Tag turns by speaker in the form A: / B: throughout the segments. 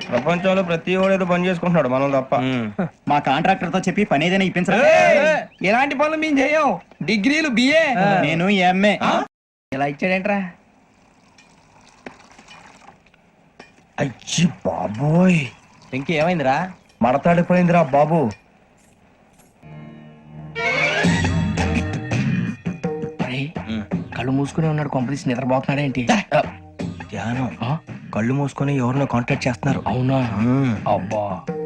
A: ప్రపంచంలో ప్రతి వాడు ఏదో పని చేసుకుంటున్నాడు, మనం తప్ప.
B: మా కాంట్రాక్టర్ తో చెప్పి పని ఏదైనా ఇప్పించరా?
C: ఎలాంటి పనులు మేము చేయం. డిగ్రీలు బిఏ,
B: నేను ఎంఏ.
C: ఇలా ఇచ్చాడేంట్రా?
A: అయ్యి బాబోయ్,
C: ఇంకేమైందిరా?
A: మడతాడిపోయిందిరా బాబు.
C: కళ్ళు మూసుకునే ఉన్నాడు, కొంపదీసి నిద్రపోతున్నాడేంటి?
A: ధ్యానం. కళ్ళు మూసుకొని ఎవరినో కాంటాక్ట్ చేస్తున్నారు.
C: అవునా? అబ్బా.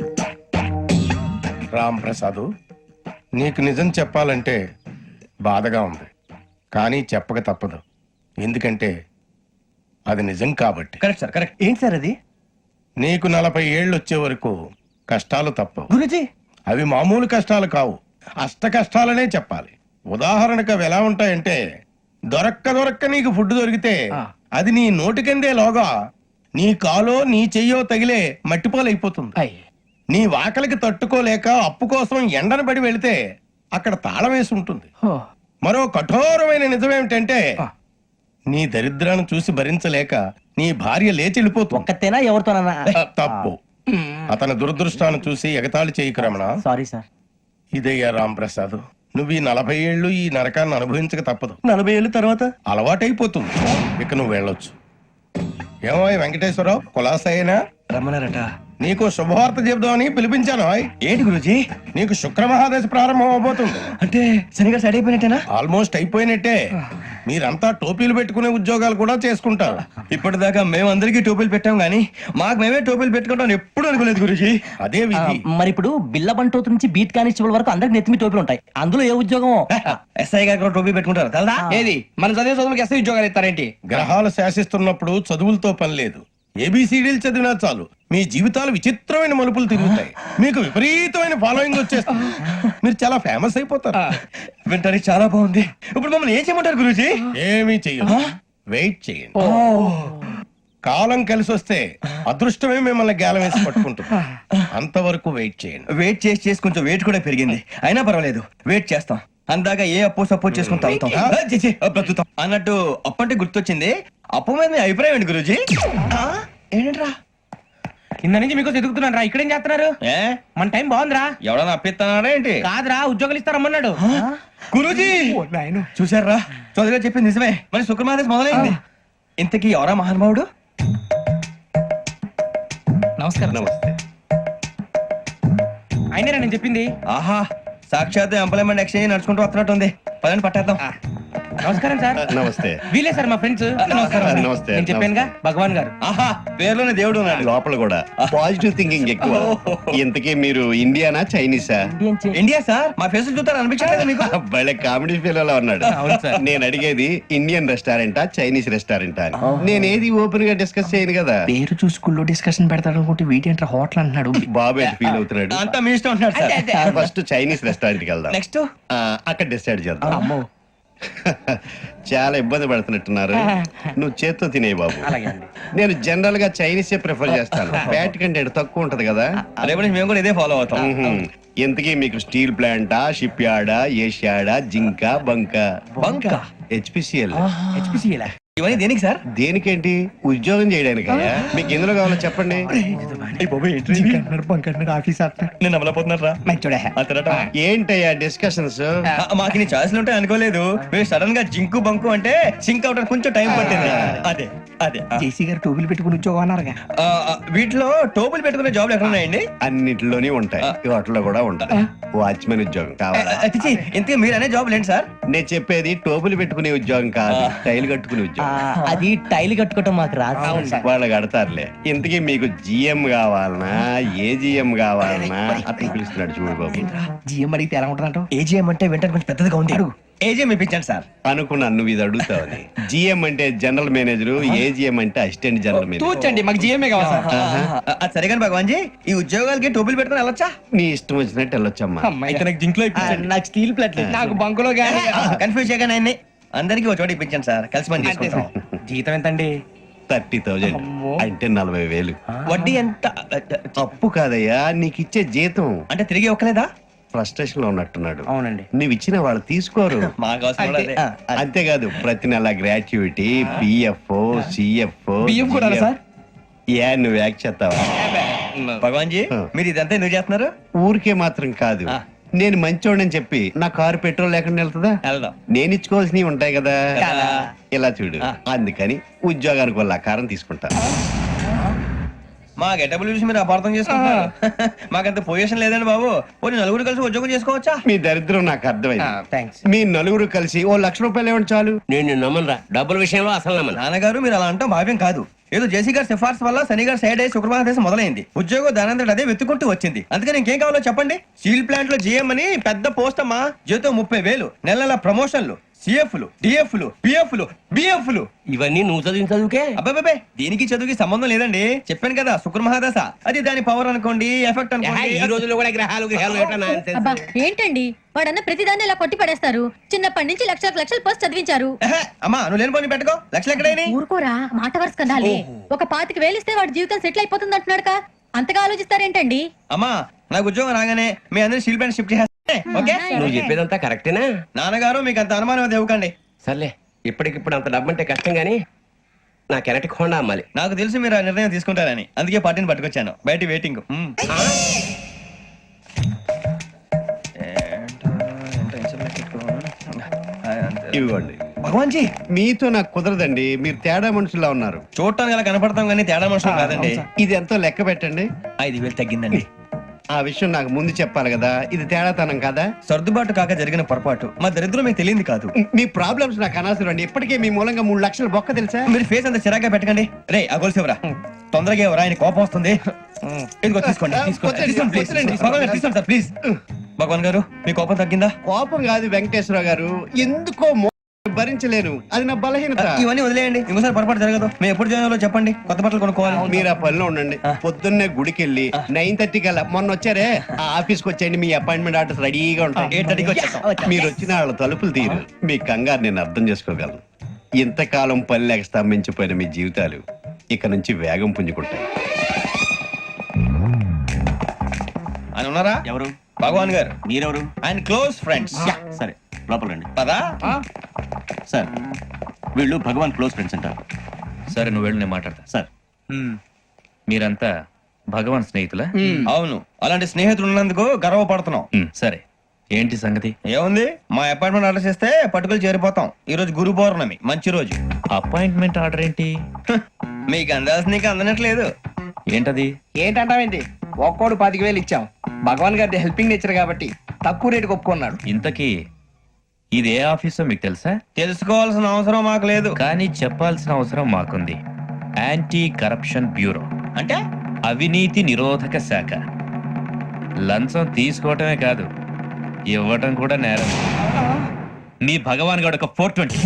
D: రామ్ ప్రసాద్, నీకు నిజం చెప్పాలంటే బాధగా ఉంది, కానీ చెప్పక తప్పదు. ఎందుకంటే అది నిజం కాబట్టి.
A: Correct sir, correct.
B: ఏంటి సార్ అది?
D: నీకు 40 ఏళ్ళు వచ్చే వరకు కష్టాలు తప్పవు.
B: గురుజీ,
D: అవి మామూలు కష్టాలు కావు, అష్ట కష్టాలనే చెప్పాలి. ఉదాహరణకు అవి ఎలా ఉంటాయంటే, దొరక్క నీకు ఫుడ్ దొరికితే అది నీ నోటికందే లోగా నీ కాలో నీ చెయ్యో తగిలే మట్టిపాలైపోతుంది. నీ వాకలికి తట్టుకోలేక అప్పు కోసం ఎండను పడి వెళితే అక్కడ తాళం వేసి ఉంటుంది. మరో కఠోరమైన నిజమేమిటంటే, నీ దరిద్రాన్ని చూసి భరించలేక నీ భార్య లేచి వెళ్ళిపోతుంది.
B: ఒక్కతేనా ఎవరితోనన్నా?
D: తప్పు. అతని దురదృష్టాన్ని చూసి ఎగతాళి చేయకు రమణ.
B: Sorry sir.
D: ఇదయ్యా రాంప్రసాద్, నువ్వు ఈ 40 ఏళ్ళు ఈ నరకాన్ని అనుభవించక తప్పదు.
B: 40 ఏళ్ళ తర్వాత
D: అలవాటైపోతుంది. ఇక నువ్వు వెళ్ళొచ్చు. ఏమో వెంకటేశ్వరరావు, కులాసైనా
A: రమ్మన్నారట.
D: నీకు శుభవార్త చెబుదామని పిలిపించాను.
A: ఏంటి గురూజీ?
D: నీకు శుక్రమహాదశ ప్రారంభం అవబోతుంది.
A: అంటే శనిగా సెట్ అయిపోయినట్టేనా?
D: ఆల్మోస్ట్ అయిపోయినట్టే. మీరంతా టోపీలు పెట్టుకునే ఉద్యోగాలు కూడా చేసుకుంటారు.
A: ఇప్పటిదాకా మేమందరికీ టోపీలు పెట్టాం గానీ మాకు మేమే టోపీలు పెట్టుకుంటాం ఎప్పుడు అనుకోలేదు గురూజీ.
D: అదే విధి.
B: మరి ఇప్పుడు బిల్ల బంటోతు నుంచి బీట్ కానిస్టేబుల్ వరకు అందరికి నెత్తిమి టోపీలు ఉంటాయి. అందులో ఏ ఉద్యోగం?
A: ఎస్ఐ గారు కూడా టోపీ పెట్టుకుంటారు కదా.
C: ఏది మన చదివే చదువులకు ఎస్ఐ ఉద్యోగాలు ఇస్తారేంటి?
D: గ్రహాలు శాసిస్తున్నప్పుడు చదువులతో పని లేదు. ఏబిసిడీలు చదివినా చాలు మీ జీవితాలు విచిత్రమైన మలుపులు తిరుగుతాయి. మీకు విపరీతమైన ఫాలోయింగ్ వచ్చేస్తుంది. మీరు చాలా ఫేమస్ అయిపోతారు.
A: వింటానికి చాలా బాగుంది. ఇప్పుడు మమ్మల్ని ఏం చేయమంటారు గురూజీ?
D: ఏమీ చెయ్యదు, వెయిట్ చేయండి. కాలం కలిసి వస్తే అదృష్టమే మిమ్మల్ని గేలం వేసి పట్టుకుంటుంది. అంతవరకు వెయిట్ చేయండి.
A: వెయిట్ చేసి కొంచెం వెయిట్ కూడా పెరిగింది. అయినా పర్వాలేదు, వెయిట్ చేస్తాం. అందాక ఏ అప్పు సపోర్ట్ చేసుకుని తాగుతాం, బ్రతుకుతాం అన్నట్టు. అప్పు అంటే గుర్తొచ్చింది. అప్పు మీద మీ అభిప్రాయం ఏంటి గురూజీ?
C: ఏంటరా కింద నుంచి మీకు ఎదుగుతున్నాను రా. ఇక్కడేం చేస్తున్నారు?
A: ఏ
C: మన టైం బాగుందిరా.
A: ఎవడన్నా అప్పిస్తున్నాడా ఏంటి?
C: కాదురా, ఉద్యోగాలు ఇస్తారమ్మన్నాడు
A: గురూజీ. చూసారా, చౌదరిగా చెప్పింది నిజమే. మరి శుక్రమాదేశ్ మొదలైంది. ఇంతకీ ఎవరా మహానుభావుడు?
C: నమస్కారం.
D: నమస్తే.
C: అయినరా నేను చెప్పింది?
A: ఆహా, సాక్షాత్ ఎంప్లాయ్మెంట్ ఎక్స్చేంజ్ నడుచుకుంటూ వస్తున్నట్టు ఉంది. పదండి పట్టేద్దాం.
C: నమస్కారం సార్.
D: నమస్తే.
C: వీలే సార్ మా ఫ్రెండ్స్.
D: నమస్తే.
C: నేను చెప్పానుగా, భగవాన్ గారు.
A: ఆహా, పేర్లోనే దేవుడు ఉన్నాడు.
E: లోపల కూడా పాజిటివ్ థింకింగ్ ఎక్కువ. ఇంతకీ మీరు ఇండియానా చైనీసా?
A: India sir. మా ఫేసులు చూస్తారు అనిపించలేదు మీకు?
E: భలే కామెడీ ఫీల్ అలా ఉన్నాడు. నేను అడిగేది ఇండియన్ రెస్టారెంటా చైనీస్ రెస్టారెంటా అని. నేను ఏది ఓపెన్ గా డిస్కస్ చేయను కదా.
C: పేరు చూసుకుల్లో డిస్కషన్ పెడతాడు అనుకుంటే వీటేంట్రా హోటల్ అంటున్నాడు.
E: బాబు ఎట్ ఫీల్ అవుతున్నాడు.
A: అంతా మీ ఇష్టం ఉంటున్నారు సార్.
E: ఫస్ట్ చైనీస్ రెస్టారెంట్ కి వెళ్దాం.
A: నెక్స్ట్
E: అక్కడ డిసైడ్ చేద్దాం. చాలా ఇబ్బంది పడుతున్నట్టున్నారు. నువ్వు చేత్తో తినే బాబు. నేను జనరల్ గా చైనీసే ప్రిఫర్ చేస్తాను. ఫ్యాట్ కంటెంట్ తక్కువ ఉంటది కదా.
A: రేపు నుంచి మేము కూడా ఇదే ఫాలో అవుతాం.
E: ఇంతకీ మీకు స్టీల్ ప్లాంటా, షిప్ యార్డా, ఏషియాడా, జింక, బంక? హెచ్పిసిఎల్.
A: ఇవన్నీ దేనికి సార్?
E: దేనికేంటి? ఉద్యోగం చేయడానికి. మీకు ఎందులో కావాలో చెప్పండి.
A: నేను అమలపోతున్నారా?
E: ఏంటయ్యా డిస్కషన్స్?
A: మాకు నీ ఛాయిస్లు ఉంటాయి అనుకోలేదు. మీరు సడన్ గా జింకు బంకు అంటే సింక్ అవడానికి కొంచెం టైం పట్టింది. అదే అదే
C: జేసీ గారు టోపీలు పెట్టుకుని ఉద్యోగం అన్నారుగా.
A: వీటిలో టోపులు పెట్టుకునే జాబ్లు ఎక్కడ ఉన్నాయండి?
E: అన్నిటిలోనే ఉంటాయి, వాటిలో కూడా ఉంటాయి. వాచ్మెన్ ఉద్యోగం కావాలా?
A: ఇంతకీ మీరు అనే జాబ్ ఏంటి సార్?
E: నేను చెప్పేది టోపులు పెట్టుకునే ఉద్యోగం కాదు, టైల్ కట్టుకునే ఉద్యోగం.
B: అది టైల్ కట్టుకోవటం మాకు రాదు.
E: వాళ్ళు కడతారులే. ఇంతకీ మీకు జిఎం కావాలనా, ఏజిఎం కావాలనా? అట్లా పిలుస్తున్నాడు చూడు బాబు.
C: జిఎం అడిగితే ఎలా ఉంటుందంట?
A: ఏజీఎం అంటే వెంటనే కొంచెం పెద్దదిగా ఉంది. ఏజీఎం ఇప్పించండి సార్.
E: అనుకున్నాను నువ్వు ఇది అడుగుతావని. జిఎం అంటే జనరల్ మేనేజర్, ఏజిఎం అంటే అసిస్టెంట్ జనరల్ మేనేజర్.
C: తూచండి, మాకు జిఎంఏ కావాలి సార్.
A: అది సరే కానీ భగవాన్ జీ, ఈ ఉద్యోగాలకి టోపులు పెట్టుకుని వెళ్ళొచ్చా?
E: నీ ఇష్టం వచ్చినట్టు వెళ్ళొచ్చమ్మా.
A: నాకు జింక్ లో
B: నాకు స్టీల్ ప్లేట్,
C: నాకు బంకులో గానీ.
A: కన్ఫ్యూజ్ చేయగానే ఆయన్ని అందరికి ఒక చోట ఇప్పించండి సార్. కలిసి పని చేసుకుంటాం.
C: జీతం ఎంతండి?
E: 30,000 అంటే 40,000.
A: వడ్డీ ఎంత?
E: అప్పు కాదయ్యా, నీకు ఇచ్చే జీతం.
A: అంటే తిరిగి ఒక్కలేదా?
E: ఫ్రస్ట్రేషన్ లో ఉన్నట్టున్నాడు.
C: అవునండి.
E: నువ్వు ఇచ్చిన వాళ్ళు తీసుకోరు.
A: మాకు అవసరం కూడా అదే.
E: అంతేకాదు ప్రతి నెల గ్రాట్యుటీ, పిఎఫ్, సిఎఫ్.
C: బియ్యం కూడా సార్?
E: ఏ నువ్వు యాక్ట్ చేస్తావా?
A: భగవాన్ జీ మీరు ఇదంతా ఎందుకు చేస్తున్నారు?
E: ఊరికే మాత్రం కాదు,
A: ఆ.
E: నేను మంచోడని చెప్పి నా కారు పెట్రోల్ లేకుండా వెళ్తుందా?
A: వెళ్దాం.
E: నేను ఇచ్చుకోవాల్సినవి ఉంటాయి కదా.
A: కదా.
E: ఇలా చూడు,
A: ఆ.
E: అందుకని ఉద్యోగానికి వాళ్ళ ఆకారం తీసుకుంటా.
A: మా గెటబుల్ చూసి మీరు అపార్థం చేసుకుంటున్నారు. మాకంత పొజిషన్ లేదండి బాబు. పోనీ నలుగురు కలిసి ఉద్యోగం చేసుకోవచ్చా?
E: మీ దరిద్రం నాకు అర్థమైంది.
C: థ్యాంక్స్.
E: మీ నలుగురు కలిసి ఓ ₹1,00,000 ఇవ్వండి చాలు.
F: నేను నమ్మనరా, డబ్బుల విషయంలో అసలు నమ్మను.
A: నాన్నగారు మీరు అలా అంటాం భావ్యం కాదు. ఏదో జేసీ గారి సిఫార్సు వల్ల శని గారు సైడ్ అయ్యి శుక్రవారం దేశం మొదలైంది. ఉద్యోగం దానంతటి అదే వెతుకుంటూ వచ్చింది. అందుకని ఇంకేం కావాలో చెప్పండి. స్టీల్ ప్లాంట్ లో జీఎం అని పెద్ద పోస్ట్ అమ్మా. జీతం 30,000, నెల నెల ప్రమోషన్లు, సిఎఫ్లు, డిఎఫ్లు, పిఎఫ్లు, బిఎఫ్లు.
F: ఇవన్నీ నువ్వు చదివిన చదువుకే.
A: అబ్బాబే దీనికి చదువుకి సంబంధం లేదండి. చెప్పాను కదా శుక్ర మహాదశ. అది దాని పవర్ అనుకోండి, ఎఫెక్ట్
F: ఈ
A: అనుకోండి.
F: రోజుల్లో కూడా గ్రహాలు ఏటా nonsense.
G: అబ్బా ఏంటండి వాడన్న ప్రతిదాన్ని ఇలా కొట్టి పడేస్తారు. చిన్నప్పటి నుంచి లక్షలకు లక్షలు పోస్ట్ చదివించారు.
A: ఎహె, అమ్మా నువ్వు లేని పోనీ పెట్టుకో. లక్షలు ఎక్కడైనా
G: ఊరుకోరా, మాట వరుస కదాలే. ఒక 25,000 ఇస్తే వాడి జీవితం సెటిల్ అయిపోతుంది అంటున్నాడుక. అంతగా ఆలోచిస్తారేంటండి?
A: అమ్మా నాకు ఉద్యోగం రాగానే మీ అందరి స్టీల్ ప్లాంట్ షిఫ్ట్ చేస్తే ఓకే.
F: నువ్వు చెప్పేదంతా కరెక్టేనా?
A: నాన్నగారు మీకు అంత అనుమానం అది ఇవ్వకండి.
F: సర్లే, ఇప్పటికిప్పుడు అంత డబ్బు అంటే కష్టం గానీ నా కెనటిక్ హోండా అమ్మాలి.
A: నాకు తెలుసు మీరు ఆ నిర్ణయం తీసుకుంటారని, అందుకే పార్టీని పట్టుకొచ్చాను. బయట వెయిటింగ్.
E: ఇవ్వండి.
A: భగవాన్ జీ
E: మీతో నాకు కుదరదండి, మీరు తేడా మనుషులా ఉన్నారు.
A: చూడటానికి అలా కనపడతాం కానీ తేడా మనుషులు కాదండి.
E: ఇది ఎంతో లెక్క పెట్టండి.
A: 5,000 తగ్గిందండి.
E: ఆ విషయం నాకు ముందు చెప్పాలి కదా, ఇది తేడాతనం కదా.
A: సర్దుబాటు కాక జరిగిన పొరపాటు. మా దరిద్రం మీకు తెలియంది కాదు.
E: మీ ప్రాబ్లమ్స్ నాకు అనవసరం అండి. ఇప్పటికే మీ మూలంగా 3,00,000 బొక్క తెలుసా?
A: మీరు ఫేస్ అంత చిరాగ్గా పెట్టకండి. రే ఆ గొలుసు ఎవరా? తొందరగా ఎవరా? ఆయన కోపం వస్తుంది. ఇదిగో తీసుకోండి. తీసుకోండి ప్లీజ్. భగవాన్ గారు తీసుకోండి సార్ ప్లీజ్. భగవాన్ గారు మీ కోపం తగ్గిందా?
E: కోపం కాదు వెంకటేశ్వర గారు, ఎందుకో భరించలేను, అది నా బలహీనత.
A: ఇవన్నీ వదిలేయండి, ఇంకోసారి పొరపాటు జరగదు. మేము ఎప్పుడు జాయిన్ అవ్వాలో చెప్పండి, కొత్త బట్టలు కొనుక్కోవాలి.
E: మీరు ఆ పనిలో ఉండండి. పొద్దున్నే గుడికి వెళ్ళి 9:30 కల్లా, మొన్న వచ్చారే ఆ ఆఫీస్కి వచ్చేయండి. మీ అపాయింట్మెంట్ ఆర్డర్స్ రెడీగా ఉంటాయి.
A: 8:30కి వచ్చేస్తాం.
E: మీరు వచ్చిన వాళ్ళ తలుపులు తీరు. మీ కంగారు నేను అర్థం చేసుకోగలను. ఇంతకాలం పని లేక స్తంభించిపోయిన మీ జీవితాలు ఇక నుంచి వేగం పుంజుకుంటాయి.
A: ఆయన ఉన్నారా?
H: ఎవరు?
A: భగవాన్ గారు.
H: మీరెవరు?
A: ఆయన క్లోజ్ ఫ్రెండ్స్.
H: సరే లోపల రండి.
A: పదా
H: సార్ వీళ్ళు భగవాన్ క్లోజ్ ఫ్రెండ్స్ అంటారు.
I: సరే నువ్వు వెళ్ళు, నేను మాట్లాడతా.
H: సార్
I: మీరంతా భగవాన్ స్నేహితులా?
A: అవును, అలాంటి స్నేహితులు ఉన్నందుకు గర్వపడుతున్నాం.
I: సరే, ఏంటి సంగతి?
A: ఏముంది, మా అపాయింట్మెంట్ ఆర్డర్ చేస్తే పట్టుకులు చేరిపోతాం. ఈ రోజు గురు పౌర్ణమి, మంచి రోజు.
I: అపాయింట్మెంట్ ఆర్డర్ ఏంటి?
A: మీకు అందాల్సిన నీకు అందనట్లేదు.
I: ఏంటది?
C: ఏంటంటావేంటి? ఒక్కోడు 25,000 ఇచ్చాం. భగవాన్ గారి హెల్పింగ్ నేచర్ కాబట్టి తక్కువ రేటుకి ఒప్పుకున్నాడు.
I: ఇంతకీ ఇది ఏ ఆఫీసో మీకు తెలుసా?
A: తెలుసుకోవాల్సిన అవసరం మాకు లేదు.
I: కానీ చెప్పాల్సిన అవసరం మాకుంది. యాంటీ కరప్షన్ బ్యూరో,
A: అంటే
I: అవినీతి నిరోధక శాఖ. లంచం తీసుకోవటమే కాదు, ఇవ్వటం కూడా నేరం. మీ భగవాన్ గారు ఒక 420.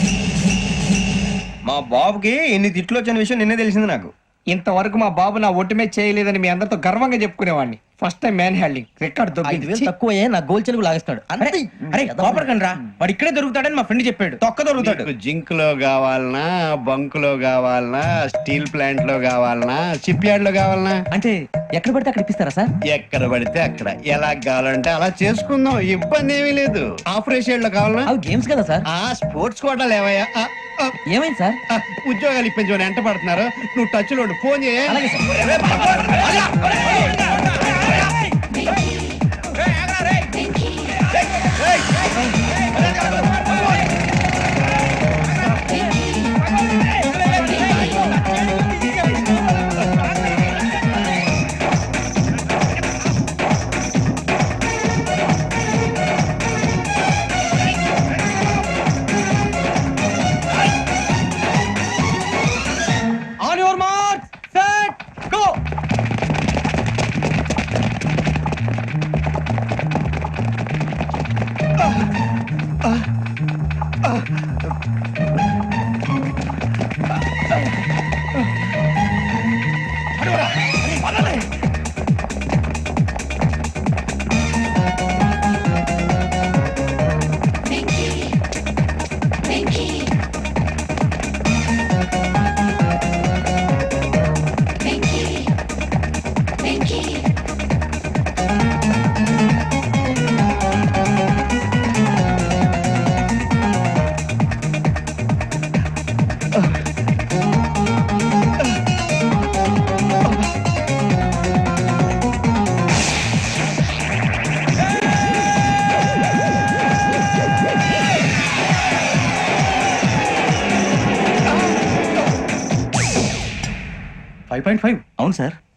A: మా బాబుకి ఎన్ని తిట్లు వచ్చిన విషయం నిన్నే తెలిసింది నాకు.
C: ఇంతవరకు మా బాబు నా ఒట్టుమే చేయలేదని మీ అందరితో గర్వంగా చెప్పుకునేవాడిని. First time man handling record
B: 5,000 తక్కువే నా గోల్ చెలుగు లాగేస్తాడు.
C: అరే కోపడకండి రా, వాడు ఇక్కడే దొరుకుతాడని మా ఫ్రెండ్ చెప్పాడు.
A: తొక్క దొరుకుతాడు.
E: మీకు జింక్ లో కావాలనా, బంక్ లో కావాలనా, స్టీల్ ప్లాంట్ లో కావాలనా, షిప్ యార్డ్ లో కావాలనా?
B: అంటే ఎక్కడ పడితే అక్కడ ఇప్పిస్తారా సార్?
E: ఎక్కడ పడితే అక్కడ, ఎలా కావాలంటే అలా చేసుకుందాం, ఇబ్బంది ఏమీ లేదు. ఆపరేషన్ లో కావాలనా?
B: అవి గేమ్స్ కదా సార్.
E: ఆ స్పోర్ట్స్ కోటా లేవయ్యా.
B: ఏమైంది సార్?
E: ఉద్యోగాలు ఇప్పించమని ఎంట పడుతున్నారు. నువ్వు టచ్ లో ఫోన్ చేయ.
B: అలాగే sir.
A: On your mark, set, go.
H: 5.5 అవును సార్